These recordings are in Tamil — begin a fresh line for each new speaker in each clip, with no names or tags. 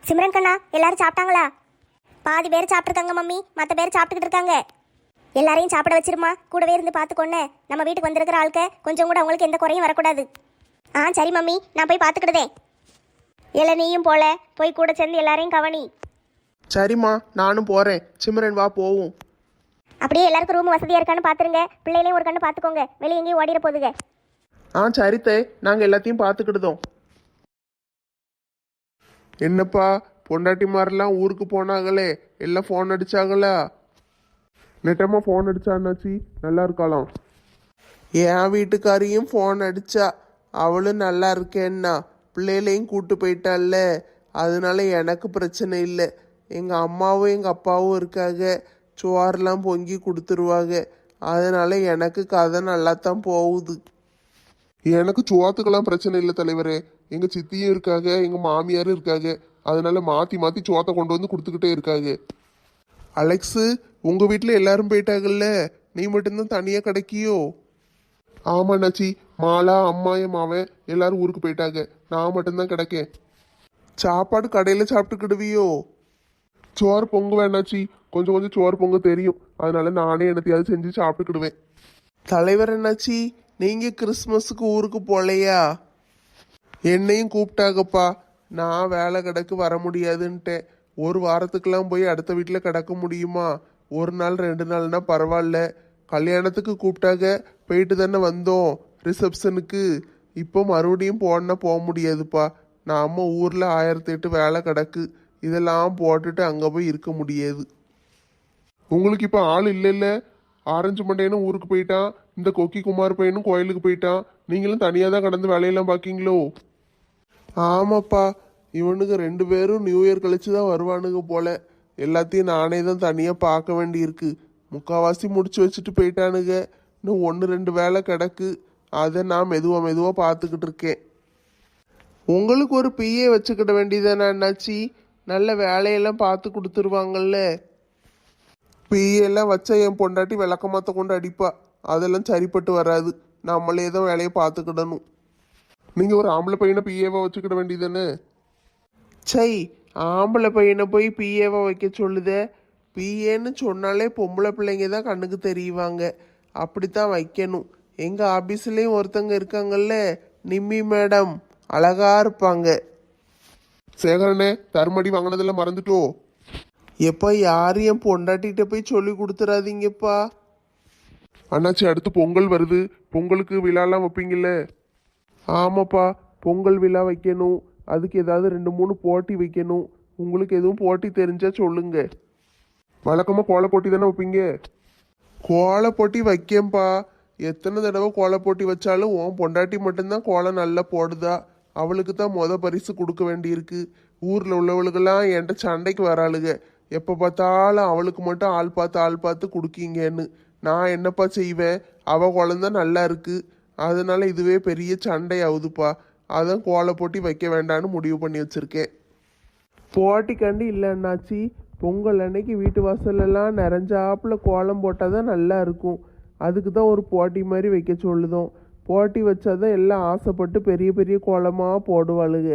சிம்ரன் கண்ணா, எல்லாரும் சாப்பிட்டாங்களா? பாதி பேர் சாப்பிட்ருக்காங்க மம்மி, மற்ற பேர் சாப்பிட்டுக்கிட்டு இருக்காங்க. எல்லாரையும் சாப்பிட வச்சிருமா, கூடவே இருந்து பார்த்துக்கொன்னே. நம்ம வீட்டுக்கு வந்திருக்கிற ஆளுக்க கொஞ்சம் கூட அவங்களுக்கு எந்த குறையும் வரக்கூடாது. சரி மம்மி, நான் போய் பார்த்துக்கிடுதேன். நீயும் போய் கூட சேர்ந்து எல்லாரையும் கவனி.
சரிம்மா, நானும் போகிறேன். சிம்ரன் வா போவோம்.
அப்படியே எல்லாருக்கும் ரூம் வசதியாக இருக்கான்னு பார்த்துருங்க. பிள்ளைகளையும் ஒரு கண்ணு பார்த்துக்கோங்க, வெளியே எங்கேயும் ஓடிட போகுதுங்க.
சரித்தே, நாங்கள் எல்லாத்தையும் பார்த்துக்கிடுதோம். என்னப்பா, பொண்டாட்டிமாரெல்லாம் ஊருக்கு போனாங்களே, எல்லாம் ஃபோன் அடிச்சாங்களா? நெட்டமாக ஃபோன் அடிச்சான்னாச்சி, நல்லா இருக்கலாம். என் வீட்டுக்காரியும் ஃபோன் அடிச்சா, அவளும் நல்லா இருக்கேன்னா. பிள்ளைகளையும் கூட்டு போயிட்டால, அதனால எனக்கு பிரச்சனை இல்லை. எங்கள் அம்மாவும் எங்கள் அப்பாவும் இருக்காங்க, சோறெல்லாம் பொங்கி கொடுத்துருவாங்க. அதனால எனக்கு கதை நல்லா தான் போகுது. எனக்கு சோத்துக்கெல்லாம் பிரச்சனை இல்லை தலைவரே. எங்கள் சித்தியும் இருக்காங்க, எங்கள் மாமியாரும் இருக்காங்க. அதனால மாற்றி மாற்றி சோத்தை கொண்டு வந்து கொடுத்துக்கிட்டே இருக்காங்க. அலெக்ஸு, உங்கள் வீட்டில் எல்லாரும் போயிட்டாங்கல்ல, நீ மட்டும்தான் தனியாக கிடைக்கியோ? ஆமாண்ணாச்சி, மாலா அம்மா என் மாவன் எல்லாரும் ஊருக்கு போயிட்டாங்க. நான் மட்டும்தான் கிடைக்கேன். சாப்பாடு கடையில் சாப்பிட்டுக்கிடுவியோ? சோறு பொங்க வேணாச்சி, கொஞ்சம் கொஞ்சம் சோறு பொங்க தெரியும். அதனால நானே என்னத்தையாவது செஞ்சு சாப்பிட்டுக்கிடுவேன். தலைவர் என்னாச்சி, நீங்கள் கிறிஸ்மஸுக்கு ஊருக்கு போகலையா? என்னையும் கூப்பிட்டாங்கப்பா. நான் வேலை கிடக்கு வர முடியாதுன்ட்டேன். ஒரு வாரத்துக்கெல்லாம் போய் அடுத்த வீட்டில் கிடக்க முடியுமா? ஒரு நாள் 2 நாள்னா பரவாயில்ல. கல்யாணத்துக்கு கூப்பிட்டாங்க, போயிட்டு தானே வந்தோம் ரிசப்ஷனுக்கு. இப்போ மறுபடியும் போனா போக முடியாதுப்பா. நாம ஊரில் 1008 வேலை கிடக்கு. இதெல்லாம் போட்டுட்டு அங்கே போய் இருக்க முடியாது. உங்களுக்கு இப்போ ஆள் இல்லைல்ல? ஆரஞ்சு மண்டையனும் ஊருக்கு போயிட்டான், இந்த கொக்கி குமார் பையனும் கோயிலுக்கு போயிட்டான். நீங்களும் தனியாக தான் கடந்து வேலையெல்லாம் பார்க்கீங்களோ? ஆமாப்பா, இவனுக்கு 2 பேரும் நியூ இயர் கழிச்சு தான் வருவானுங்க போல. எல்லாத்தையும் நானே தான் தனியாக பார்க்க வேண்டியிருக்கு. முக்கால்வாசி முடிச்சு வச்சுட்டு போயிட்டானுங்க. இன்னும் 1-2 வேலை கிடக்கு. அதை நான் மெதுவாக பார்த்துக்கிட்டு இருக்கேன். உங்களுக்கு ஒரு பிஏ வச்சுக்கிட வேண்டியதானே அண்ணாச்சி? நல்ல வேலையெல்லாம் பார்த்து கொடுத்துருவாங்கல்ல. பிஏலாம் வச்சா என் பொண்டாட்டி விளக்கமாத்த கொண்டு அடிப்பா. அதெல்லாம் சரிப்பட்டு வராது. நம்மளே தான் வேலையை பார்த்துக்கிடணும். நீங்கள் ஒரு ஆம்பளை பையனை பிஏவா வச்சுக்கிட வேண்டியதானே? சை, ஆம்பளை பையனை போய் பிஏவா வைக்க சொல்லுதே. பிஏன்னு சொன்னாலே பொம்பளை பிள்ளைங்க தான் கண்ணுக்கு தெரியுவாங்க. அப்படித்தான் வைக்கணும். எங்கள் ஆஃபீஸ்லேயும் ஒருத்தங்க இருக்காங்கல்ல, நிம்மி மேடம், அழகா இருப்பாங்க. சேகரனே, தருமடி வாங்கினதெல்லாம் மறந்துட்டோ? எப்பா, யாரையும் பொண்டாட்டிகிட்ட போய் சொல்லி கொடுத்துறாதீங்கப்பா. அண்ணாச்சி, அடுத்து பொங்கல் வருது. பொங்கலுக்கு விழாலாம் வைப்பீங்கல்ல? ஆமாப்பா, பொங்கல் விழா வைக்கணும். அதுக்கு ஏதாவது 2-3 போட்டி வைக்கணும். உங்களுக்கு எதுவும் போட்டி தெரிஞ்சா சொல்லுங்க. வழக்கமாக கோல போட்டி தானே வைப்பீங்க? கோல போட்டி வைக்கேன்ப்பா. எத்தனை தடவை கோல போட்டி வச்சாலும் உன் பொண்டாட்டி மட்டும்தான் கோலம் நல்லா போடுதா. அவளுக்கு தான் பரிசு கொடுக்க வேண்டியிருக்கு. ஊரில் உள்ளவளுக்கெல்லாம் என்கிட்ட சண்டைக்கு வராளுங்க. எப்போ பார்த்தாலும் அவளுக்கு மட்டும் ஆள் பார்த்து கொடுக்கீங்கன்னு. நான் என்னப்பா செய்வேன்? அவள் குழந்தை நல்லா இருக்கு. அதனால இதுவே பெரிய சண்டை ஆகுதுப்பா. அதான் கோல போட்டி வைக்க வேண்டான்னு முடிவு பண்ணி வச்சிருக்கேன். போட்டி கண்டு இல்லைன்னாச்சி, பொங்கல் அன்னைக்கு வீட்டு வாசலெல்லாம் நிறைஞ்சாப்புல கோலம் போட்டால் தான் நல்லா இருக்கும். அதுக்கு தான் ஒரு போட்டி மாதிரி வைக்க சொல்லுதோம். போட்டி வச்சாதான் எல்லாம் ஆசைப்பட்டு பெரிய பெரிய கோலமாக போடுவாளுங்க.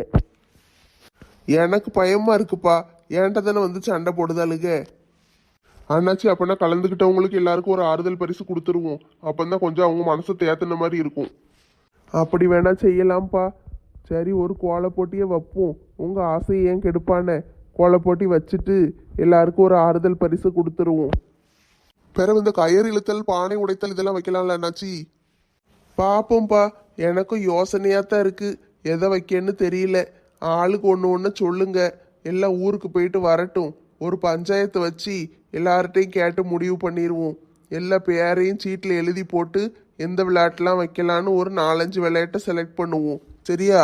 எனக்கு பயமாக இருக்குப்பா. ஏன்ட்ட தானே வந்து சண்டை போடுதாளுங்க. அண்ணாச்சி, அப்போனா கலந்துக்கிட்டவங்களுக்கு எல்லாருக்கும் ஒரு ஆறுதல் பரிசு கொடுத்துருவோம். அப்போதான் கொஞ்சம் அவங்க மனசை தேத்தின மாதிரி இருக்கும். அப்படி வேணா செய்யலாம்ப்பா. சரி, ஒரு கோல போட்டியை வைப்போம். உங்கள் ஆசையை ஏன் கெடுப்பானே? கோல போட்டி வச்சுட்டு எல்லாருக்கும் ஒரு ஆறுதல் பரிசு கொடுத்துருவோம். பிறகு இந்த கயிறு இழுத்தல், பானை உடைத்தல் இதெல்லாம் வைக்கலாம்ல அண்ணாச்சி? பார்ப்போம்ப்பா. எனக்கும் யோசனையாக தான் இருக்குது. எதை வைக்கன்னு தெரியல. ஆளுக்கு ஒன்று சொல்லுங்க. எல்லாம் ஊருக்கு போயிட்டு வரட்டும். ஒரு பஞ்சாயத்து வச்சு எல்லார்ட்டையும் கேட்டு முடிவு பண்ணிடுவோம். எல்லா பேரையும் சீட்டில் எழுதி போட்டு எந்த விளையாட்டுலாம் வைக்கலான்னு ஒரு 4-5 விளையாட்டை செலக்ட் பண்ணுவோம். சரியா?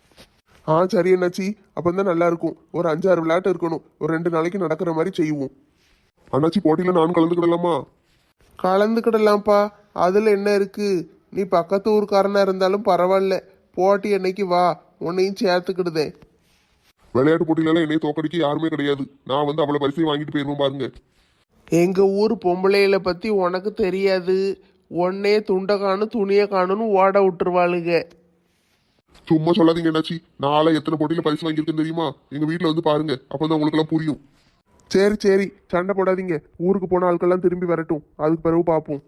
சரி அண்ணாச்சி, அப்போ தான் நல்லா இருக்கும். ஒரு 5-6 விளையாட்டு இருக்கணும். ஒரு 2 நாளைக்கு நடக்கிற மாதிரி செய்வோம். அண்ணாச்சி, போட்டியில் நான் கலந்துக்கிடலாமா? கலந்துக்கிடலாம்ப்பா. அதில் என்ன இருக்கு? நீ பக்கத்து ஊருக்காரனா இருந்தாலும் பரவாயில்ல. போட்டி அன்னைக்கு வா, உன்னையும் சேர்த்துக்கிடுதேன். விளையாட்டு போட்டியில என்னைய தோக்கடிக்க யாருமே கிடையாது. நான் வந்து அவளை பரிசையும் வாங்கிட்டு போயிருவோம் பாருங்க. எங்க ஊர் பொம்பளைகளை பத்தி உனக்கு தெரியாது. உன்னே துண்டை காணும் துணியை காணும்னு ஓட விட்டுருவாளுங்க. சும்மா சொல்லாதீங்க என்னாச்சி. நாளை எத்தனை போட்டியில பரிசு வாங்கியிருக்குன்னு தெரியுமா? எங்க வீட்டுல வந்து பாருங்க, அப்பதான் உங்களுக்கு எல்லாம் புரியும். சரி சரி, சண்டை போடாதீங்க. ஊருக்கு போன ஆட்கள்லாம் திரும்பி வரட்டும், அதுக்கு பிறகு பார்ப்போம்.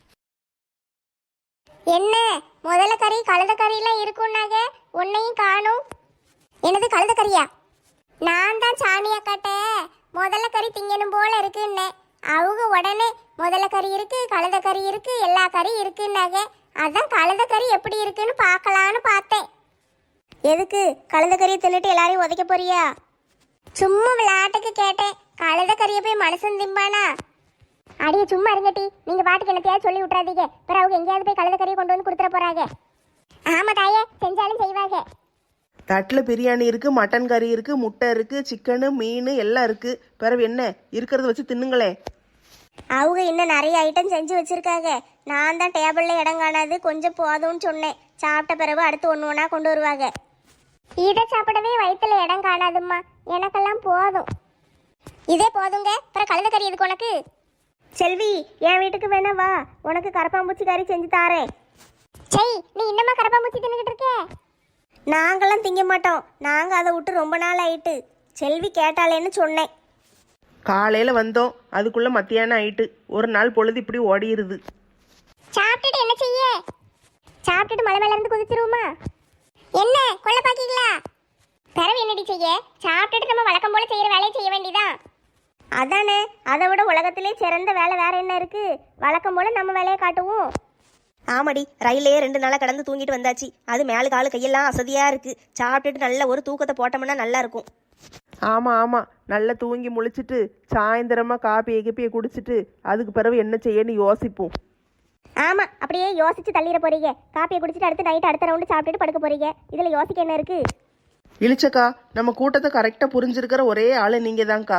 என்ன முதல்ல கறி கழுத கறியெல்லாம் இருக்கும்னாங்க, உன்னையும் காணும். என்னது கழுத கறியா? நான் தான் சாமியா காட்ட முதல்ல கறி திங்கணும் போல இருக்குன்னே. அவங்க உடனே முதல்ல கறி இருக்கு, கழுத கறி இருக்கு, எல்லா கறி இருக்குன்னாங்க. அதான் கழுத கறி எப்படி இருக்குன்னு பார்க்கலான்னு பார்த்தேன். எதுக்கு கழுத கறியை தின்னுட்டு எல்லாரையும் உதைக்க போறியா? சும்மா விளையாட்டுக்கு கேட்டேன். கழுத கறியை போய் மனுஷன் திம்பானா? அடியே சும்மா இருங்கட்டி, நீங்க பாட்டுக்கு என்னத்தையாவது சொல்லி விட்றாதீங்க. பிறகு அவங்க எங்கேயாவது போய் கழுத கறியை கொண்டு வந்து கொடுத்துட போறாங்க. ஆமா தாயே, செஞ்சாலும் செய்வாங்க.
தட்டில் பிரியாணி இருக்குது, மட்டன் கறி இருக்குது, முட்டை இருக்குது, சிக்கனு மீன் எல்லாம் இருக்குது. பிறகு என்ன இருக்கிறத வச்சு தின்னுங்களேன்.
அவங்க இன்னும் நிறைய ஐட்டம் செஞ்சு வச்சிருக்காங்க. நான் தான் டேபிளில் இடம் காணாது கொஞ்சம் போதும்னு சொன்னேன். சாப்பிட்ட பிறகு அடுத்து ஒன்று ஒன்றா கொண்டு வருவாங்க. இதை சாப்பிடவே வயிற்றுல இடம் காணாதும்மா, எனக்கெல்லாம் போதும். இதே போதுங்க. அப்புறம் கழுத கறி எதுக்கு உனக்கு? செல்வி, என் வீட்டுக்கு வேணா வா, உனக்கு கரப்பாம்பூச்சி கறி செஞ்சு தாரேன். சரி, நீ இன்னமா கரப்பாம்பூச்சி தின்னுக்கிட்டு இருக்க? நாங்களாம் திங்க மாட்டோம், நாங்கள் அதை விட்டு ரொம்ப நாள் ஆயிட்டு. செல்வி கேட்டாலேன்னு சொன்னேன்.
காலையில் வந்தோம், அதுக்குள்ளே மத்தியானம் ஆயிட்டு. ஒரு நாள் பொழுது இப்படி ஓடிடுது.
சாப்பிட்டுட்டு என்ன செய்ய? சாப்பிட்டுட்டு மலை மேல இருந்து குதிச்சிருவோமா? என்ன கொல்ல பாக்கீங்களா? பிறவு என்னடி செய்ய? சாப்பிட்டுட்டு நம்ம வழக்கம் போல செய்யற வேலையை செய்ய வேண்டியதான். அதானே, அதை விட உலகத்திலே சிறந்த வேலை வேற என்ன இருக்கு? வழக்கம் போல நம்ம வேலையை காட்டுவோம்.
ஆமாடி, ரயிலே 2 நாளாக கடந்து தூங்கிட்டு வந்தாச்சு. அது மேலு காலு கையெல்லாம் அசதியாக இருக்குது. சாப்பிட்டுட்டு நல்ல ஒரு தூக்கத்தை போட்டோம்னா நல்லா இருக்கும்.
ஆமாம் ஆமாம், நல்லா தூங்கி முழிச்சிட்டு சாயந்தரமாக காப்பியை கிப்பியை குடிச்சிட்டு அதுக்கு பிறகு என்ன செய்யன்னு யோசிப்போம்.
ஆமா, அப்படியே யோசிச்சு தள்ளிட போறீங்க. காப்பியை குடிச்சிட்டு அடுத்து நைட் அடுத்த ரவுண்டு சாப்பிட்டுட்டு படுக்க போறீங்க. இதுல யோசிக்க என்ன இருக்கு?
இழிச்சக்கா, நம்ம கூட்டத்தை கரெக்டாக புரிஞ்சிருக்கிற ஒரே ஆள் நீங்கள் தான்க்கா.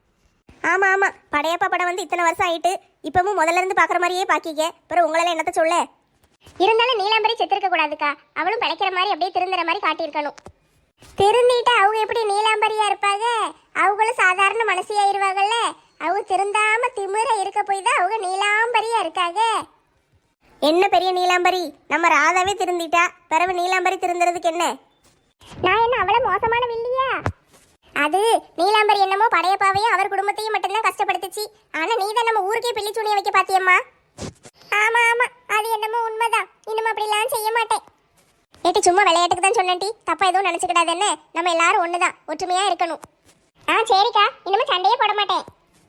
ஆமா ஆமா, படையப்பா படம் வந்து இத்தனை வருஷம் ஆயிட்டு. இப்பவும் முதல்ல இருந்து பாக்குற மாதிரியே பாக்கிக்க. பிறகு உங்களால என்னத்த சொல்ல? இருந்தாலும் நீலாம்பரி செத்திருக்க கூடாதுக்கா. அவளும் பிழைக்கிற மாதிரி அப்படியே திருந்துற மாதிரி காட்டியிருக்கணும். திருந்திட்டு அவங்க எப்படி நீலாம்பரியா இருப்பாங்க? அவங்களும் சாதாரண மனசியாயிருவாங்கல்ல. அவங்க திருந்தாம திமிர இருக்க போய் தான் அவங்க நீலாம்பரியா இருக்காங்க. என்ன பெரிய நீலாம்பரி? நம்ம ராதாவே திருந்திட்டா, பிறகு நீலாம்பரி திருந்துறதுக்கு என்ன? நான் என்ன அவள மோசமான வில்லியா? அது நீலாம்பரி என்னமோ படையப்பாவையும் அவர் குடும்பத்தையும் மட்டும்தான் கஷ்டப்படுத்துச்சு. ஆனா நீ தான் நம்ம ஊருக்கே பிள்ளி துணிய வைக்க பாத்தியம்மா. ஆமா ஆமா, அது என்னமோ உண்மைதான். இன்னும் அப்படிலாம் செய்ய மாட்டேன். ஏட்டி சும்மா விளையாட்டுக்கு தான் சொன்னேன்டி, தப்பா எதுவும் நினைச்சுக்கிடாது. என்ன, நம்ம எல்லாரும் ஒண்ணுதான், ஒற்றுமையா இருக்கணும். சரிக்கா, இன்னும் சண்டையே போட மாட்டேன்.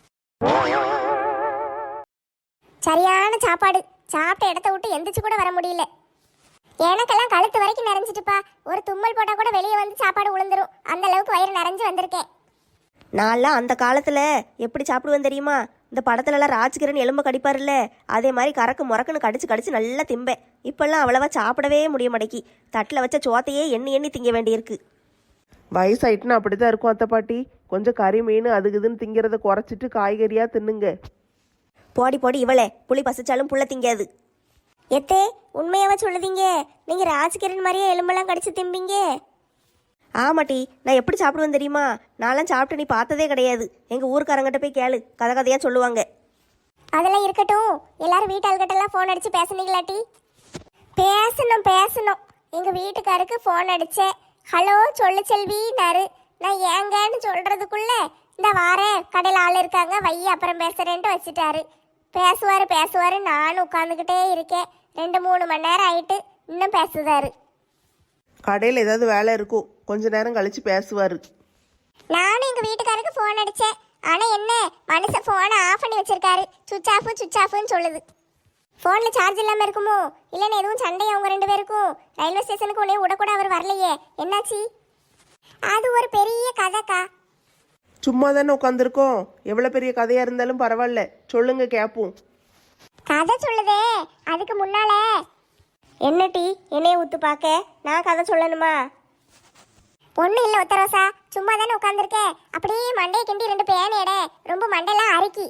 சரியான சாப்பாடு. சாப்பிட்ட இடத்த விட்டு எந்திரிச்சு கூட வர முடியல. எனக்கெல்லாம் கழுத்து வரைக்கும் நிறைஞ்சிட்டுப்பா. ஒரு தும்மல் போட்டா கூட வெளியே வந்து சாப்பாடு உளுந்துரும். அந்த அளவுக்கு வயிறு நிறைஞ்சு வந்திருக்கேன்.
நான்லாம் அந்த காலத்தில் எப்படி சாப்பிடுவேன் தெரியுமா? இந்த படத்துலலாம் ராஜ்கிரண் எலும்பை கடிப்பார்ல, அதே மாதிரி கறக்கு முறக்குன்னு கடிச்சு கடிச்சு நல்லா திம்பேன். இப்பெல்லாம் அவ்வளவா சாப்பிடவே முடிய மாட்டேக்கி. தட்டில் வச்ச சோத்தையே எண்ணி எண்ணி திங்க வேண்டியிருக்கு.
வயசாயிட்டுன்னு அப்படி தான் இருக்கும் அத்தை பாட்டி. கொஞ்சம் கறி மீன் அதுக்கு இதுன்னு திங்கிறத குறைச்சிட்டு காய்கறியாக தின்னுங்க.
போடி போடி இவளே, புளி பசிச்சாலும் புள்ள திங்காது.
எத்தே, உண்மையாவா சொல்லுதீங்க? நீங்க ராஜ்கிரண் மாதிரியே எலும்பெல்லாம் கடிச்சு திம்பிங்க?
ஆமாட்டி, நான் எப்படி சாப்பிடுவேன் தெரியுமா? நான்லாம் சாப்பிட்டு நீ பார்த்ததே கிடையாது. எங்கள் ஊருக்காரங்கிட்ட போய் கேளு, கதை கதையாக சொல்லுவாங்க.
அதெல்லாம் இருக்கட்டும். எல்லாரும் வீட்டாள்கிட்டலாம் ஃபோன் அடிச்சு பேசுனீங்களாட்டி? பேசணும். எங்க வீட்டுக்காருக்கு ஃபோன் அடிச்சேன். ஹலோ சொல்லு செல்வினாரு. நான் ஏங்கன்னு சொல்றதுக்குள்ள இந்த வாரேன், கடையில் ஆள் இருக்காங்க, வைய அப்புறம் பேசுறேன்ட்டு வச்சுட்டாரு. பேசுவாரு. நானும் உட்காந்துக்கிட்டே இருக்கேன். 2-3 மணி நேரம் ஆயிட்டு இன்னும் பேசுதாரு.
கடையில் ஏதாவது வேலை இருக்கும், கொஞ்ச நேரம் கழிச்சு பேசுவார்.
நானும் எங்க வீட்டுக்காருக்கு ஃபோன் அடிச்சேன். ஆனா என்ன, மனுஷன் ஃபோனை ஆஃப் பண்ணி வச்சிருக்காரு. சுவிச் ஆஃப்னு சொல்லுது. ஃபோனில் சார்ஜ் இல்லாமல் இருக்குமோ? இல்லைன்னு எதுவும் சண்டையா அவங்க 2 பேருக்கும்? ரயில்வே ஸ்டேஷனுக்கு உடனே விடக்கூட அவர் வரலையே, என்னாச்சு? அது ஒரு பெரிய கதைக்கா.
சும்மா தானே உட்காந்துருக்கோம். எவ்வளோ பெரிய கதையாக இருந்தாலும் பரவாயில்ல, சொல்லுங்க கேட்போம்.
கதை சொல்லுதே, அதுக்கு முன்னால என்ன டீ என்னைய ஊத்து பார்க்க நான் கதை சொல்லணுமா? ஒன்றும் இல்லை ஒத்தரோசா, சும்மா தானே உட்காந்துருக்கேன். அப்படியே மண்டையை கிண்டி 2 பேன் எடை, ரொம்ப மண்டையெல்லாம் அரிக்கி.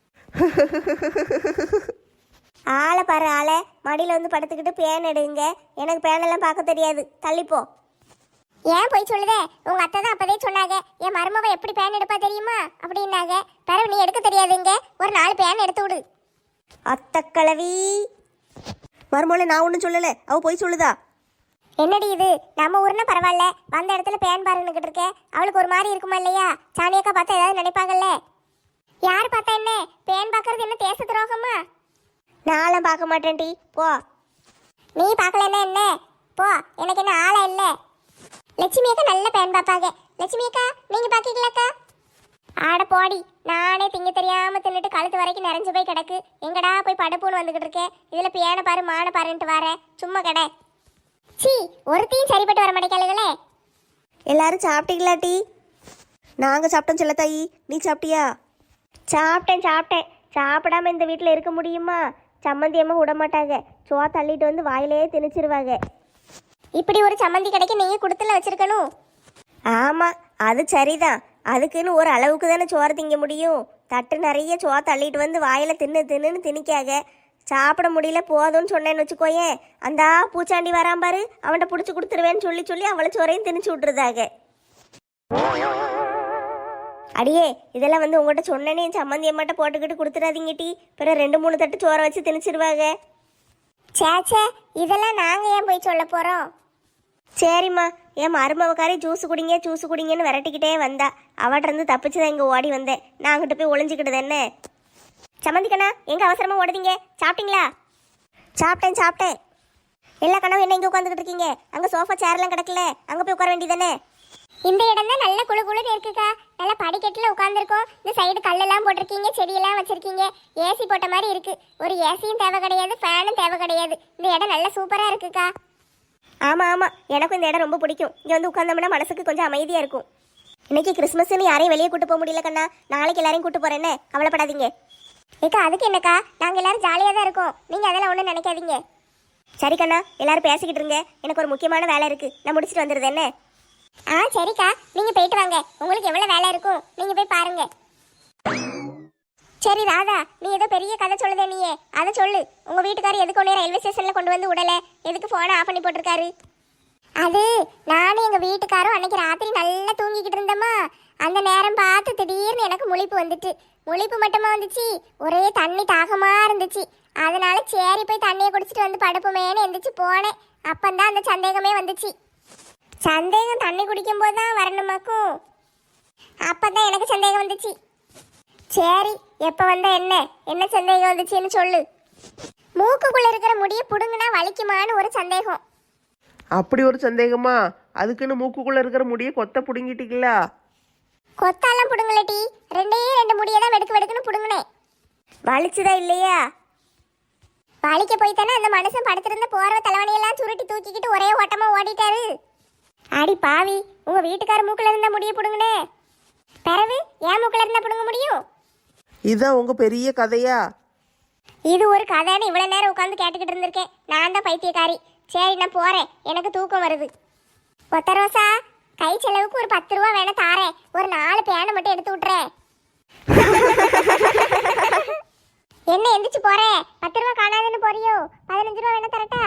ஆளை பாரு ஆளை, மடியில் வந்து படுத்துக்கிட்டு பேன் எடுங்க. எனக்கு பேனெல்லாம் பார்க்க தெரியாது, தள்ளிப்போ. ஏன் போய் சொல்லுதே? உங்க அத்தை தான் அப்பதே சொன்னாங்க, என் மருமவ எப்படி பேன் எடுப்பா தெரியுமா அப்படின்னாங்க. பிறகு நீ எடுக்க தெரியாதுங்க, ஒரு 4 பேன் எடுத்து விடு. அத்தக்கிழவி
மறுமொழி நான் ஒன்றும் சொல்லலை, அவள் போய் சொல்லுதா?
என்னடி இது நம்ம ஊர்னா பரவாயில்ல, வந்த இடத்துல பேன் பாருன்னுகிட்டு இருக்கே, அவளுக்கு ஒரு மாதிரி இருக்குமா இல்லையா? சாணியக்கா பார்த்தா ஏதாவது நினைப்பாங்கல்ல. யார் பார்த்தா என்ன, பேன் பார்க்கறது என்ன தேச துரோகமா? நானும் பார்க்க மாட்டேன் டி, போ. நீ பார்க்கலன்னா என்ன, போ, எனக்கு என்ன ஆளை இல்லை. லட்சுமி அக்கா நல்ல பேன் பார்ப்பாங்க. லட்சுமி அக்கா நீங்க பாக்கீங்களாக்கா? ஆட போடி, நானே திங்க தெரியாம தின்னுட்டு கழுத்து வரைக்கும் நிறைஞ்சு போய் கிடக்கு. எங்கடா போய் படுப்புன்னு வந்துகிட்டு இருக்கேன், இதுல பேனை பாரு மான பாருன்ட்டு வரேன், சும்மா கடை. சீ, ஒருத்தையும் சரிப்பட்டு வர மாட்டேங்காளுகளே.
எல்லாரும் சாப்பிட்டீங்களா டீ? நாங்கள் சாப்பிட்டோம் செல்லத்தாயி, நீ சாப்பிட்டியா?
சாப்பிட்டேன். சாப்பிடாம இந்த வீட்டில் இருக்க முடியுமா? சம்மந்தியம்மா விட மாட்டாங்க, சோா தள்ளிட்டு வந்து வாயிலே திணிச்சிருவாங்க. இப்படி ஒரு சம்மந்தி கிடைக்க நீங்கள் கொடுத்துல வச்சிருக்கணும்.
ஆமாம், அது சரிதான். அதுக்குன்னு ஒரு அளவுக்கு தானே சோறு திங்க முடியும். தட்டு நிறைய சோறு தள்ளிட்டு வந்து வாயில் தின்னுன்னு திணிக்காக. சாப்பிட முடியல போதும்னு சொன்னேன்னு வச்சுக்கோயேன், அந்த பூச்சாண்டி வரான் பாரு, அவன்கிட்ட பிடிச்சி கொடுத்துருவேன்னு சொல்லி அவளை சோறையும் திணிச்சு விட்டுருதாக. அடியே, இதெல்லாம் வந்து உங்கள்கிட்ட சொன்னேனே சம்மந்தி அம்மாட்ட போட்டுக்கிட்டு கொடுத்துடாதீங்க டீ, பிறகு 2-3 தட்டு சோறை வச்சு திணிச்சிருவாங்க.
சேச்சே, இதெல்லாம் நாங்கள் ஏன் போய் சொல்ல போகிறோம்?
சரிம்மா, என் மருமவக்காரி ஜூஸ் குடிங்கன்னு விரட்டிக்கிட்டே வந்தா. அவட்ட இருந்து தப்பிச்சு தான் இங்கே ஓடி வந்தேன். நான் அங்கிட்ட போய் ஒளிஞ்சிக்கிட்டது என்ன?
சம்மந்தி கண்ணா, எங்க அவசரமா ஓடுதீங்க? சாப்பிட்டீங்களா?
சாப்பிட்டேன்.
எல்லா கண்ணாவும் என்ன இங்கே உட்காந்துக்கிட்டு இருக்கீங்க? அங்கே சோஃபா சேர்லாம் கிடக்கல, அங்கே போய் உட்கார வேண்டியதானே? இந்த இடம் தான் நல்ல குளுகுளுன்னு இருக்குக்கா. நல்லா படிக்கட்டில் உட்காந்துருக்கோம். இந்த சைடு கல்லெல்லாம் போட்டிருக்கீங்க, செடியெல்லாம் வச்சிருக்கீங்க, ஏசி போட்ட மாதிரி இருக்கு. ஒரு ஏசியும் தேவை கிடையாது, ஃபேனும் தேவை கிடையாது. இந்த இடம் நல்ல சூப்பராக இருக்குக்கா.
ஆமாம், எனக்கும் இந்த இடம் ரொம்ப பிடிக்கும். இங்கே வந்து உட்காந்தோம்னா மனசுக்கு கொஞ்சம் அமைதியாக இருக்கும். இன்னைக்கு கிறிஸ்மஸ்ன்னு யாரையும் வெளியே கூட்டு போக முடியல கண்ணா, நாளைக்கு எல்லாரையும் கூட்டு போகிறேன்னு கவலைப்படாதீங்க.
ஏக்கா அதுக்கு என்னக்கா, நாங்கள் எல்லாரும் ஜாலியாக தான் இருக்கோம், நீங்கள் அதெல்லாம் ஒன்றும் நினைக்காதீங்க.
சரி கண்ணா, எல்லாரும் பேசிக்கிட்டு இருங்க, எனக்கு ஒரு முக்கியமான வேலை இருக்குது, நான் முடிச்சுட்டு வந்துடுது என்ன?
சரிக்கா, நீங்கள் போயிட்டு வாங்க, உங்களுக்கு எவ்வளோ வேலை இருக்கும் நீங்கள் போய் பாருங்க. சரி ராதா, நீ ஏதோ பெரிய கதை சொல்லுதே, நீயே அதை சொல்லு. உங்கள் வீட்டுக்காரர் எதுக்கு உடனே ரயில்வே ஸ்டேஷனில் கொண்டு வந்து விடலை? எதுக்கு ஃபோனை ஆஃப் பண்ணி போட்டிருக்காரு? அது நானும் எங்கள் வீட்டுக்காரும் அன்னைக்கு ராத்திரி நல்லா தூங்கிக்கிட்டு இருந்தோமா, அந்த நேரம் பார்த்து திடீர்னு எனக்கு முழிப்பு வந்துட்டு. முழிப்பு மட்டுமா வந்துச்சு, ஒரே தண்ணி தாகமாக இருந்துச்சு. அதனால சரி போய் தண்ணியை குடிச்சிட்டு வந்து படுப்புமேன்னு எந்திரிச்சு போனேன். அப்பந்தான் அந்த சந்தேகமே வந்துச்சு. சந்தேகம் தண்ணி குடிக்கும் போது தான் வரணுமாக்கும். அப்பதான் எனக்கு சந்தேகம் வந்துச்சு. சரி, எப்போ வந்த என்ன சந்தேகம் வந்துச்சுன்னு சொல்லு. மூக்குக்குள்ள இருக்கிற முடியை புடுங்குனா வலிக்குமான்னு ஒரு சந்தேகம்.
அப்படி ஒரு சந்தேகமா? அதுக்குன்னு மூக்குக்குள்ள இருக்கிற முடியை கொத்த புடுங்கிட்டீங்களா?
கொத்தாலாம் புடுங்கலட்டி, 2 முடியை தான் வெடுக்குன்னு புடுங்கினேன்.
வலிச்சுதா இல்லையா?
வலிக்க போய் தானே அந்த மனுஷன் படுத்திருந்த போர்வை தலைவனையெல்லாம் சுருட்டி தூக்கிக்கிட்டு ஒரே ஓட்டமா ஓடிட்டாரு. அடி பாவி, உங்க வீட்டுக்கார மூக்குல இருந்தா முடிய புடுங்கனே, பிறகு ஏன் மூக்குல இருந்தா புடுங்க முடியும்?
இதுதான் உங்க பெரிய கதையா?
இது ஒரு கதைன்னு இவ்வளவு நேரம் உட்காந்து கேட்டுக்கிட்டு இருந்திருக்கேன். நான் தான் பைத்தியக்காரி. சரி, நான் போறேன், எனக்கு தூக்கம் வருது. ஒத்த ரோசா, கை செலவுக்கு ஒரு 10 ரூபா வேணா தாரேன், ஒரு 4 பேனை மட்டும் எடுத்து விட்டுறேன். என்ன எந்திரிச்சு போறேன்? 10 ரூபா காணாதுன்னு போறியோ? 15 ரூபா வேணா தரட்டா?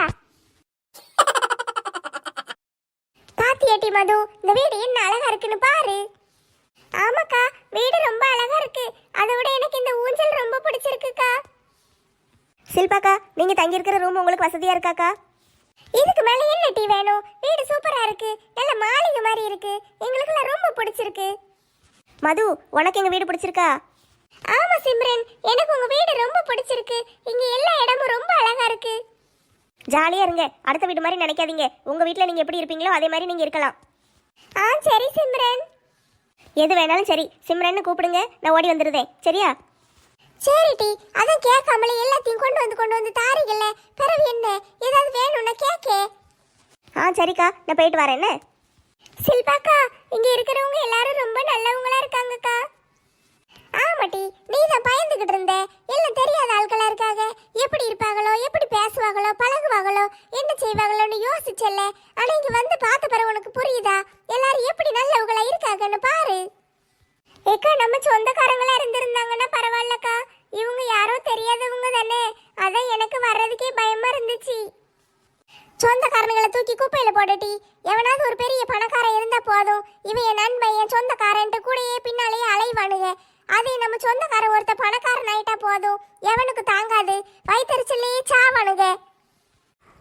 பாத்தியேட்டி மது, இந்த வீடு என்ன அழகா இருக்குன்னு பாரு. ஆமாக்கா, வீடு ரொம்ப அழகா இருக்கு. அதை விட எனக்கு இந்த ஊஞ்சல் ரொம்ப பிடிச்சிருக்குக்கா.
சில்பாக்கா, நீங்க தங்கி இருக்கிற ரூம் உங்களுக்கு வசதியா இருக்காக்கா?
இதுக்கு மேல என்ன டீ வேணும்? வீடு சூப்பரா இருக்கு, நல்ல மாளிகை மாதிரி இருக்கு, எங்களுக்குலாம் ரொம்ப பிடிச்சிருக்கு.
மது, உனக்கு எங்க வீடு பிடிச்சிருக்கா?
ஆமா சிம்ரன், எனக்கு உங்க வீடு ரொம்ப பிடிச்சிருக்கு. இங்க எல்லா இடமும் ரொம்ப அழகா இருக்கு.
ஜாலியா இருங்க, அடுத்த வீடு மாதிரி நினைக்காதீங்க. உங்க வீட்டில் நீங்க எப்படி இருப்பீங்களோ அதே மாதிரி நீங்க இருக்கலாம்.
சரி சிம்ரன்.
எது வேணாலும் சரி, சிம்ரன்னு கூப்பிடுங்க, நான் ஓடி வந்துடுதேன். சரியா?
சரி டி, அதான் கேட்காமலே எல்லாத்தையும் கொண்டு வந்து தாரிகள்ல, பிறகு என்ன ஏதாவது வேணும்னா கேக்கே.
சரிக்கா, நான் போயிட்டு வரேன். என்ன
சில்பாக்கா, இங்க இருக்கிறவங்க எல்லாரும் ரொம்ப நல்லவங்களா இருக்காங்கக்கா. ஆமாட்டி, நீ தான் பயந்துகிட்டு இருந்த, எல்லாம் தெரியாத ஆட்களா இருக்காங்க, எப்படி இருப்பாங்களோ, எப்படி பேசுவாங்களோ, பழகுவாங்களோ, என்ன செய்வாங்களோன்னு யோசிச்சல்ல. ஆனா இங்க வந்து பார்த்த பிறகு உனக்கு புரியுதா எல்லாரும் எப்படி நல்லவங்களா இருக்காங்கன்னு பாரு. ஏக்கா, நம்ம சொந்தக்காரங்களா இருந்திருந்தாங்கன்னா பரவாயில்லக்கா, இவங்க யாரோ தெரியாதவங்க தானே, அதான் எனக்கு வர்றதுக்கே பயமா இருந்துச்சு. சொந்தக்காரங்களை தூக்கி குப்பையில போட்டுட்டி, எவனாவது ஒரு பெரிய பணக்காரன் இருந்தா போதும், இவன் என் நண்பன் என் சொந்தக்காரன்ட்டு கூடயே பின்னாலேயே அலைவானுங்க. அதே நம்ம சொந்தக்காரன் ஒருத்த பணக்காரன் ஆயிட்டா போதும், எவனுக்கு தாங்காது, வயிற்றுச்சல்லையே சாவானுங்க.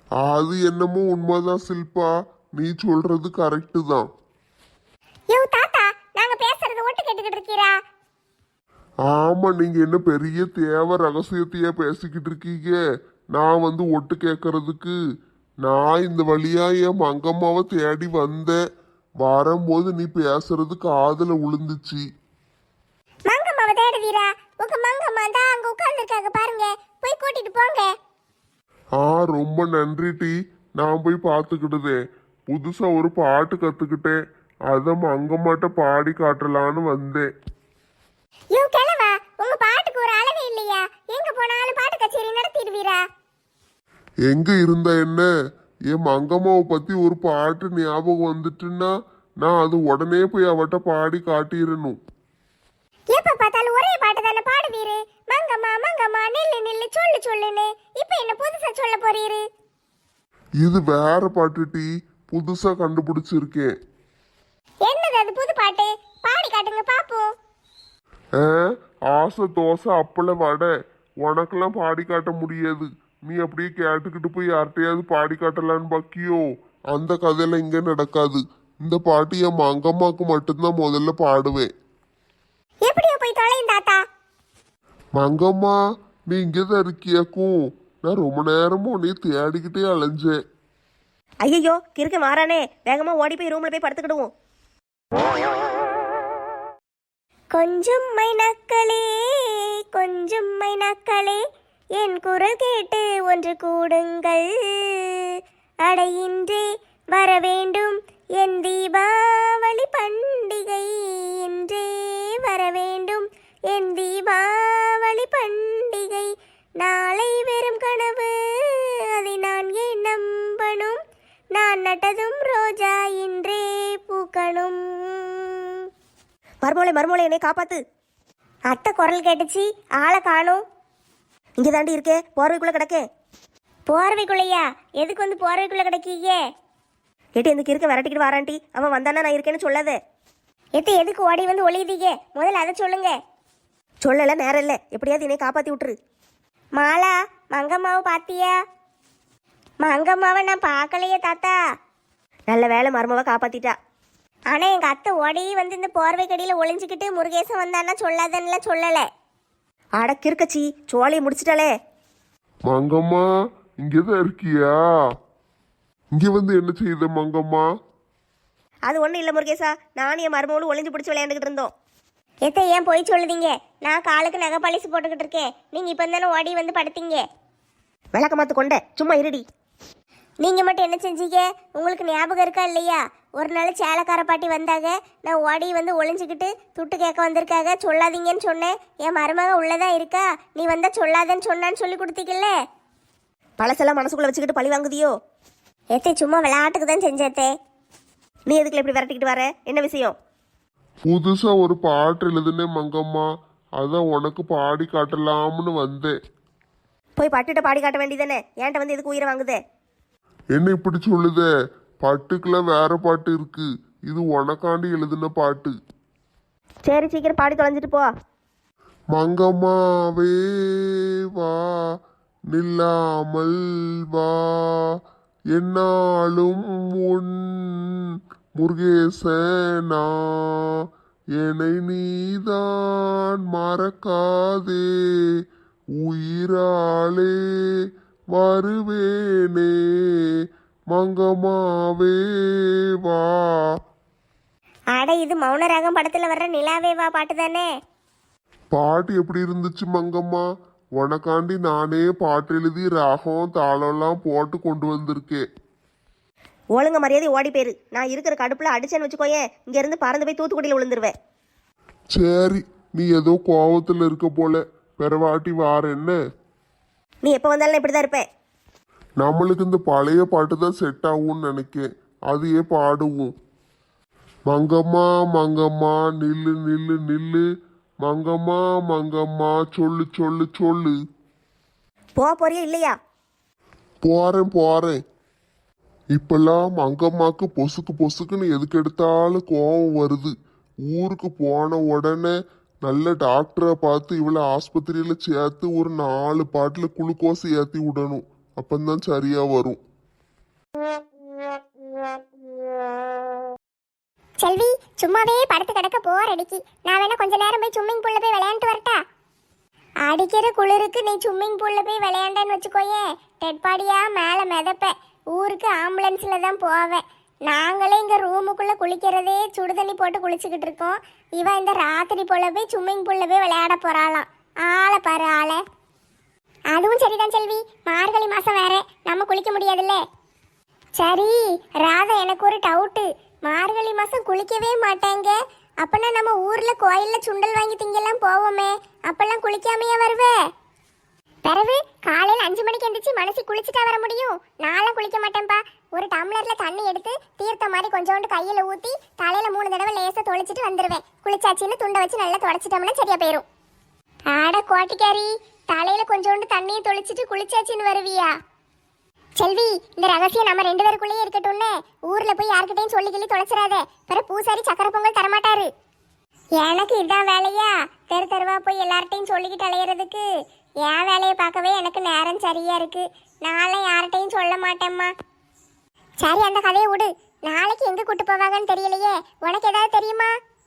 அது என்னமோ உண்மைதான் சில்பா, நீ சொல்றது கரெக்டு தான்.
யோ தாத்தா, நாங்க பேசுறது ஒட்டு கேட்டுக்கிட்டு இருக்கீரா?
ஆமா, நீங்க என்ன பெரிய தேவை ரகசியத்தையே பேசிக்கிட்டு இருக்கீங்க. நான் வந்து ஒட்டு கேட்கறதுக்கு நான் இந்த வழியா என் மங்கம்மாவை தேடி வந்தேன். வரும்போது நீ பேசுறது காதுல விழுந்துச்சு.
மங்கம்மாவை தேடுவீரா? உங்க மங்கம்மா தான் அங்க உட்கார்ந்துருக்காங்க பாருங்க, போய் கூட்டிட்டு போங்க.
ரொம்ப நன்றி டி. நான் போய் பார்த்துக்கிடுதேன். புதுசா ஒரு பாட்டு கத்துக்கிட்டேன், அத மங்கம்மாட்ட பாடி காட்டலான்னு வந்தேன்.
யோ கிழவா, உங்க பாட்டுக்கு ஒரு அளவே இல்லையா? எங்க போனாலும் பாட்டு கச்சேரி நடத்திடுவீரா?
எங்க இருந்த என்ன, என் மங்கம்மாவை பத்தி ஒரு பாட்டு ஞாபகம் வந்துட்டுன்னா நான் அது உடனே போய் அவட்ட பாடி காட்டிடணும்.
எப்ப பார்த்தாலும் ஒரே பாட்டு தானே பாடுவீரு. மங்கம்மா மங்கம்மா நில்லு நில்லு சொல்லு சொல்லுன்னு. இப்ப என்ன புதுசா சொல்ல போறீரு?
இது வேற பாட்டு டி, புதுசா கண்டுபிடிச்சிருக்கேன்.
என்னது அது புது பாட்டு? பாடி காட்டுங்க பாப்போம்.
ஆசை தோசை அப்பள வடை, உனக்கெல்லாம் பாடி காட்ட முடியாது. நீ அப்படியே கேட்டுக்கிட்டு போய் யார்கிட்டயாவது பாடி காட்டலான்னு பாக்கியோ? அந்த கதையெல்லாம் இங்க நடக்காது. இந்த பாட்டு என் மங்கம்மாக்கு மட்டும்தான் முதல்ல பாடுவேன்.
எப்படியோ போய் தொலையும் தாத்தா.
மங்கம்மா, நீ இங்கதான் இருக்கியாக்கும்? நான் ரொம்ப நேரமும் உன்னைய தேடிக்கிட்டே அலைஞ்சேன்.
ஐயோ கிறுக்க மாறானே, வேகமா ஓடி போய் ரூம்ல போய் படுத்துக்கிடுவோம்.
கொஞ்சம் மைனாக்களே, கொஞ்சம் மைனாக்களே, என் குரல் கேட்டு ஒன்று கூடுங்கள். அடையின்றே வர வேண்டும் என் தீபாவளி பண்டிகை. இன்றே வர வேண்டும் என் தீபாவளி பண்டிகை. நாளை வெறும் கனவு, அதை நான் ஏன் நம்பணும்? நான் நட்டதும் ரோஜா இன்றே பூக்கணும்.
மர்மோளே என்னை காப்பாத்து.
அத்தை குரல் கேட்டுச்சு, ஆளை காணும்.
இங்கே தாண்டி இருக்கே, போர்வைக்குள்ள கிடக்கே.
போர்வைக்குள்ளையா? எதுக்கு வந்து போர்வைக்குள்ள கிடைக்கீங்க?
ஏட்டி இந்த கிறுக்க விரட்டிக்கிட்டு வாரான்ட்டி, அவன் வந்தானா நான் இருக்கேன்னு சொல்லாத.
எத்தை எதுக்கு ஓடி வந்து ஒளியுதீங்க? முதல்ல அதை சொல்லுங்க.
சொல்லல நேரம் இல்லை, எப்படியாவது என்னை காப்பாத்தி விட்டுரு.
மாலா, மங்கம்மாவை பாத்தியா? மங்கம்மாவை நான் பார்க்கலையே தாத்தா.
நல்ல வேலை மர்மவை காப்பாத்திட்டா.
ஆனா எங்க அத்தை ஓடி வந்து இந்த போர்வை கடியில ஒளிஞ்சுக்கிட்டு முருகேசன் வந்தான்னா சொல்லாதன்னுல சொல்லல.
அட கிறுக்கச்சி, சோழியை முடிச்சிட்டாளே.
மங்கம்மா, இங்கதான் இருக்கியா? இங்க வந்து என்ன செய்த மங்கம்மா?
அது ஒன்றும் இல்லை முருகேசா, நானும் என் மருமகளும் ஒளிஞ்சு பிடிச்சி விளையாண்டுக்கிட்டு இருந்தோம்.
எத்தை ஏன் போய் சொல்லுதீங்க? நான் காலுக்கு நகை பாலிசு போட்டுக்கிட்டு இருக்கேன். நீங்க இப்ப தானே ஓடி வந்து படுத்தீங்க.
விளக்க மாத்து கொண்ட, சும்மா இருடி.
நீங்க மட்டும் என்ன செஞ்சீங்க? உங்களுக்கு ஞாபகம் இருக்கா இல்லையா? ஒரு நாள் சேலக்கார பாட்டி வந்தாங்க, நான் ஓடி வந்து ஒளிஞ்சுக்கிட்டு துட்டு கேட்க வந்திருக்காங்க, சொல்லாதீங்கன்னு சொன்னேன். என் மருமக உள்ளதான் இருக்கா, நீ வந்தா சொல்லாதன்னு சொன்னான்னு சொல்லி கொடுத்தீங்கல்ல.
பழசெல்லாம் மனசுக்குள்ள வச்சுக்கிட்டு பழி வாங்குதியோ?
ஏத்தே சும்மா விளையாட்டுக்கு தான் செஞ்சேத்தே.
நீ எதுக்குள்ள இப்படி விரட்டிக்கிட்டு வர? என்ன விஷயம்?
புதுசா ஒரு பாட்டு எழுதுனேன் மங்கம்மா, அதான் உனக்கு பாடி காட்டலாம்னு வந்தேன்.
போய் பட்டுட்ட பாடி காட்ட வேண்டியதானே, ஏன்ட்ட வந்து எதுக்கு உயிரை வாங்குதே?
என்ன இப்படி சொல்லுதே? பட்டுக்கெல்லாம் வேற பாட்டு இருக்கு, இது உனக்காண்டி எழுதின பாட்டு.
சரி சீக்கிரம் பாடி தொலைஞ்சிட்டு போ.
மங்கம்மாவே வா, நில்லாமல் வா, என்னாலும் உன் முருகேசனா, என்னை நீதான் மறக்காதே, உயிராலே வருவேனே, மங்கம்மாவே வா.
அட இது மௌனராகம் படத்துல வர்ற நிலாவே வா பாட்டு தானே?
பாட்டு எப்படி இருந்துச்சு மங்கம்மா? உனக்காண்டி நானே பாட்டு எழுதி ராகம் தாளம்லாம் போட்டு கொண்டு வந்திருக்கேன்.
ஒழுங்க மரியாதை ஓடி போயிரு. நான் இருக்கிற கடுப்புல அடிச்சேன்னு வச்சுக்கோயேன், இங்க இருந்து பறந்து போய் தூத்துக்குடியில் விழுந்துருவேன்.
சரி, நீ ஏதோ கோவத்துல இருக்க போல, பெறவாட்டி வார என்ன?
நீ எப்போ வந்தாலும் இப்படிதான் இருப்பேன்.
நம்மளுக்கு இந்த பழைய பாட்டு தான் செட் ஆகும்னு நினைக்கேன், அதையே பாடுவோம். மங்கம்மா மங்கம்மா நில்லு நில்லு நில்லு, மங்கம்மா மங்கம்மா சொல்லு சொல்லு சொல்லு.
போறியா இல்லையா?
போறேன். இப்பெல்லாம் மங்கம்மாக்கு பொசுக்கு பொசுக்குன்னு எதுக்கு எடுத்தாலும் கோவம் வருது. ஊருக்கு போன உடனே நல்ல டாக்டரை பார்த்து இவளை ஆஸ்பத்திரியில சேர்த்து ஒரு 4 பாட்டில் குளுக்கோஸ் ஏற்றி விடணும், அப்பந்தான் சரியா வரும்.
செல்வி சும்மாவே படுத்து கிடக்க போர் அடிக்கி. நான் வேணா கொஞ்ச நேரம் போய் ஸ்விம்மிங் பூல்ல போய் விளையாண்டு வரட்டா? அடிக்கிற குளிருக்கு நீ ஸ்விம்மிங் பூல்ல போய் விளையாண்டேன்னு வச்சுக்கோயே, டெட்பாடியா மேலே மிதப்ப. ஊருக்கு ஆம்புலன்ஸ்ல தான் போவேன். நாங்களே இங்க ரூமுக்குள்ள குளிக்கிறதே சுடு தண்ணி போட்டு குளிச்சுக்கிட்டு இருக்கோம். இவன் இந்த ராத்திரி போல போய் ஸ்விம்மிங் பூல்ல போய் விளையாட போறாளாம். ஆளை பாரு ஆளை. அதுவும் சரிதான் செல்வி, மார்கழி மாசம் வேற, நம்ம குளிக்க முடியாதுல்ல. சரி ராதா, எனக்கு ஒரு டவுட்டு. மார்கழி மாசம் குளிக்கவே மாட்டாங்க, அப்பனா நம்ம ஊர்ல கோயில்ல சுண்டல் வாங்கி திங்கெல்லாம் போவோமே, அப்பெல்லாம் குளிக்காமையா வருவே? பிறகு காலையில் 5 மணிக்கு எந்திரிச்சு மனசு குளிச்சுட்டா வர முடியும்? நான்லாம் குளிக்க மாட்டேன்ப்பா. ஒரு டம்ளர்ல தண்ணி எடுத்து தீர்த்த மாதிரி கொஞ்சோண்டு கையில ஊத்தி தலையில 3 தடவை லேசா தொளிச்சிட்டு வந்துருவேன். குளிச்சாச்சின்னு துண்டை வச்சு நல்லா தொடச்சிட்டோம்னா சரியா போயிரும். ஆட கோட்டிக்காரி, தலையில கொஞ்சோண்டு தண்ணியை தொளிச்சிட்டு குளிச்சாச்சின்னு வருவியா? செல்வி, இந்த ரகசியம் நம்ம 2 பேருக்குள்ளேயே இருக்கட்டும்னு ஊர்ல போய் யார்கிட்டையும் சொல்லி கிள்ளி தொலைச்சிடாத. பிற பூசாரி சக்கரை பொங்கல் தரமாட்டாரு. எனக்கு இதான் வேலையா? தெரு தெருவா போய் எல்லார்ட்டையும் சொல்லிக்கிட்டு அலையிறதுக்கு என் வேலையை பார்க்கவே எனக்கு நேரம் சரியா இருக்கு. நானும் யார்கிட்டையும் சொல்ல மாட்டேம்மா. சரி அந்த கதையை விடு. நாளைக்கு எங்க கூட்டு போவாங்கன்னு தெரியலையே, உனக்கு ஏதாவது தெரியுமா?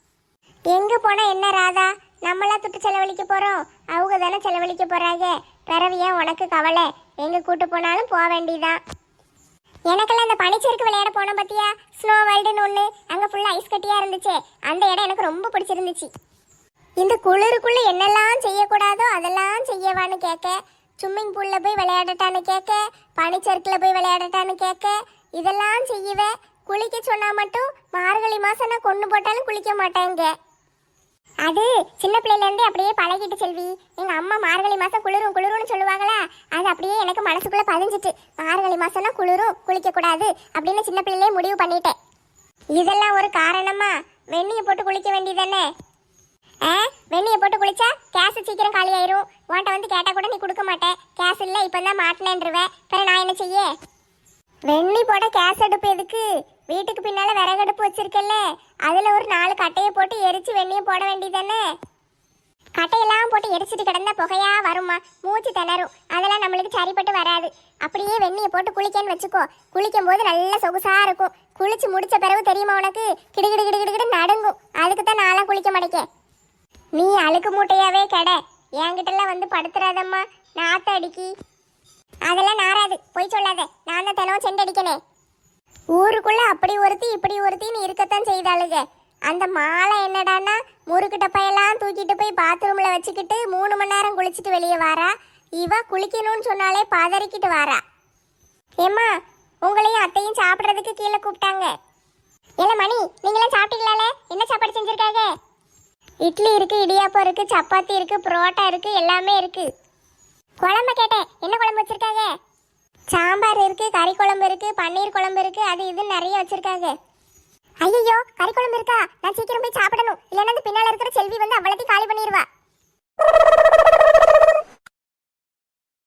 எங்க போனா என்ன ராதா, நம்மளா துட்டு செலவழிக்க போறோம், அவங்க தானே செலவழிக்க போறாங்க. பிறவு ஏன் உனக்கு கவலை? எங்க கூட்டு போனாலும் போக வேண்டியதான். எனக்கெல்லாம் இந்த பனிச்சறுக்கு விளையாட போனோம் பத்தியா, ஸ்னோ வேர்ல்டுன்னு ஒன்று. அங்கே ஃபுல்லாக ஐஸ் கட்டியாக இருந்துச்சு. அந்த இடம் எனக்கு ரொம்ப பிடிச்சிருந்துச்சு. இந்த குளிருக்குள்ளே என்னெல்லாம் செய்யக்கூடாதோ அதெல்லாம் செய்யவான்னு கேட்க, ஸ்விம்மிங் பூலில் போய் விளையாடட்டான்னு கேட்க, பனிச்சறுக்கில் போய் விளையாடட்டான்னு கேட்க, இதெல்லாம் செய்யவே. குளிக்க சொன்னால் மட்டும் மார்கழி மாதம் நான் கொண்டு போட்டாலும் குளிக்க மாட்டேங்க. அது சின்ன பிள்ளையிலேருந்தே அப்படியே பழகிட்டு செல்வி. எங்கள் அம்மா மார்கழி மாதம் குளிரும் குளிரும்னு சொல்லுவாங்களா, அது அப்படியே எனக்கு மனசுக்குள்ளே பதிஞ்சிட்டு மார்கழி மாதம்னா குளிரும், குளிக்கக்கூடாது அப்படின்னு சின்ன பிள்ளையிலே முடிவு பண்ணிட்டேன். இதெல்லாம் ஒரு காரணமா? வெந்நியை போட்டு குளிக்க வேண்டியதானே? வெந்நியை போட்டு குளிச்சா கேஸ் சீக்கிரம் காலி ஆயிரும். உன்ட்ட வந்து கேட்டால் கூட நீ கொடுக்க மாட்டேன். கேஸ் இல்லை இப்போ தான் மாட்டினேன்ருவேன். பிறகு நான் என்ன செய்ய? வெந்நி போட கேஸ் அடுப்பு எதுக்கு? வீட்டுக்கு பின்னால விறகடுப்பு வச்சிருக்கல, அதுல ஒரு 4 கட்டையை போட்டு எரிச்சு வெந்நியை போட வேண்டியதானே? கட்டையெல்லாம் போட்டு எரிச்சிட்டு கிடந்தா புகையா வருமா, மூச்சு திணறும். அதெல்லாம் நம்மளுக்கு சரிப்பட்டு வராது. அப்படியே வெந்நியை போட்டு குளிக்கன்னு வச்சுக்கோ, குளிக்கும் போது நல்ல சொகுசா இருக்கும். குளிச்சு முடிச்ச பிறகு தெரியுமா உனக்கு, கிடுகிடு கிடுகிடு நடுங்கும். அதுக்கு தான் நான்லாம் குளிக்க மாட்டேங்க. நீ அழுக்கு மூட்டையாவே கெட, என்கிட்டலாம் வந்து படுத்துறாதம்மா, நாத்த அடிக்கி. அதெல்லாம் நாராது, போய் சொல்லாத. நான் தான் தினம் செண்டடிக்கனே. ஊருக்குள்ள அப்படி ஒருத்தி இப்படி ஒருத்தின்னு இருக்கத்தான் செய்தாளுங்க. அந்த மாலை என்னடான்னா முறுக்கு டப்பையெல்லாம் தூக்கிட்டு போய் பாத்ரூம்ல வச்சுக்கிட்டு 3 மணி நேரம் குளிச்சுட்டு வெளியே வாரா. இவ குளிக்கணும்னு சொன்னாலே பதறிக்கிட்டு வாரா. ஏம்மா, உங்களையும் அத்தையும் சாப்பிட்றதுக்கு கீழே கூப்பிட்டாங்க. இல்லை மணி, நீங்களாம் சாப்பிட்டீங்களாலே? என்ன சாப்பாடு செஞ்சுருக்காங்க? இட்லி இருக்கு, இடியாப்பம் இருக்கு, சப்பாத்தி இருக்கு, புரோட்டா இருக்கு, எல்லாமே இருக்கு. குழம்பு கேட்டேன், என்ன குழம்பு வச்சிருக்காங்க? சாம்பார் இருக்கு, கறி குழம்பு இருக்கு, பன்னீர் குழம்பு இருக்கு, அது இது நிறைய வச்சிருக்காங்க. ஐயோ, கறி குழம்பு இருக்கா? நான் சீக்கிரம் போய் சாப்பிடணும், இல்லைன்னா பின்னால இருக்கிற செல்வி வந்து அவ்வளவு